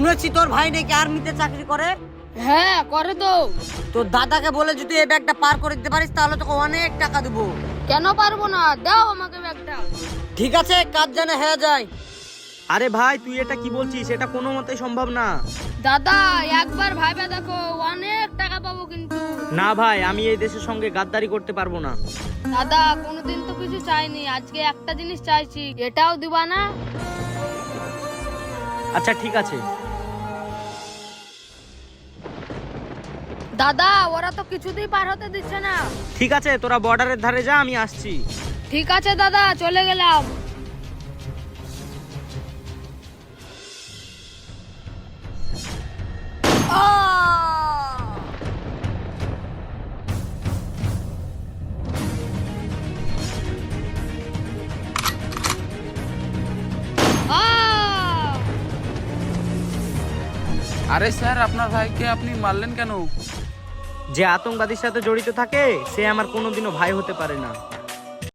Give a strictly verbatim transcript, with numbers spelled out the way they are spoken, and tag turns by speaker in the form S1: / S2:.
S1: শুনেছি তোর ভাই নাকি আর্মিতে চাকরি করে।
S2: হ্যাঁ করে তো।
S1: তোর দাদাকে বলে যদি এই ব্যাগটা পার করে দিতে পারিস তাহলে তোকে অনেক টাকা দেবো।
S2: কেন পারবো না, দাও আমাকে ব্যাগটা।
S1: ঠিক আছে, কাজ যেন হয়ে যায়।
S3: আরে ভাই তুই এটা কি বলছিস? এটা কোনো মতেই সম্ভব না।
S2: দাদা একবার ভাইবে দেখো, অনেক টাকা পাবো কিন্তু।
S3: না ভাই, আমি এই দেশের সঙ্গে গাদ্দারি করতে পারবো না।
S2: দাদা কোনোদিন তো কিছু চাইনি, আজকে একটা জিনিস চাইছি, এটাও দিবা না?
S3: আচ্ছা ঠিক আছে।
S2: দাদা ওরা তো কিছুতেই পার হতে দিচ্ছে না।
S3: ঠিক আছে, তোরা বর্ডারের ধারে যা, আমি আসছি।
S2: ঠিক আছে দাদা, চলে গেলাম। আহ!
S4: আরে স্যার, আপনার ভাইকে আপনি মারলেন কেন?
S3: যে আতঙ্কবাদীর সাথে জড়িত থাকে সে আমার কোনোদিনও ভাই হতে পারে না।